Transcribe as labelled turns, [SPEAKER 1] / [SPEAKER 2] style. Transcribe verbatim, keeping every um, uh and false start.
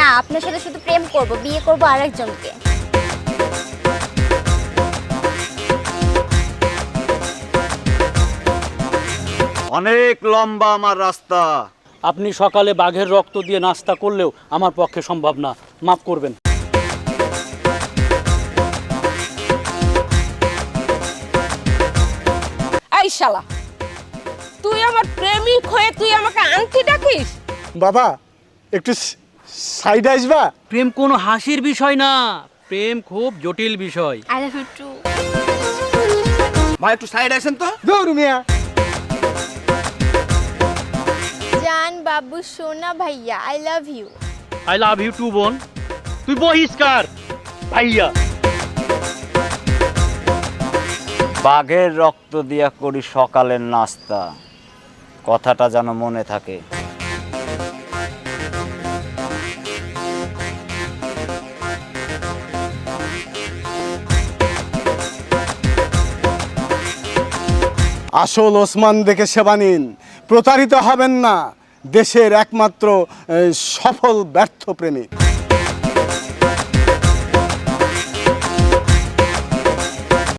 [SPEAKER 1] না, আপনার সাথে শুধু প্রেম করব, বিয়ে করব আরেকজনকে।
[SPEAKER 2] অনেক লম্বা আমার রাস্তা।
[SPEAKER 3] আপনি সকালে বাঘের রক্ত দিয়ে নাস্তা করলেও আমার পক্ষে সম্ভব না, মাফ করবেন।
[SPEAKER 4] এই শালা, তুই আমার প্রেমিক হয়ে তুই আমাকে আন্টি ডাকিস?
[SPEAKER 5] বাবা একটু সাইড আসবা?
[SPEAKER 3] প্রেম কোনো হাসির বিষয় না, প্রেম খুব জটিল বিষয়।
[SPEAKER 1] I love you too.
[SPEAKER 2] ভাই একটু সাইড আসেন তো।
[SPEAKER 5] দৌড় মিয়া।
[SPEAKER 1] জান বাবু সোনা ভাইয়া, I love you.
[SPEAKER 3] I love you too বোন। তুই বহিষ্কার ভাইয়া।
[SPEAKER 2] বাঘের রক্ত দিয়া করি সকালের নাস্তা, কথাটা যেন মনে থাকে।
[SPEAKER 5] আসল ওসমান দেখে সেবা নিন, প্রতারিত হবেন না। দেশের একমাত্র আহ, সফল ব্যর্থ প্রেমিক।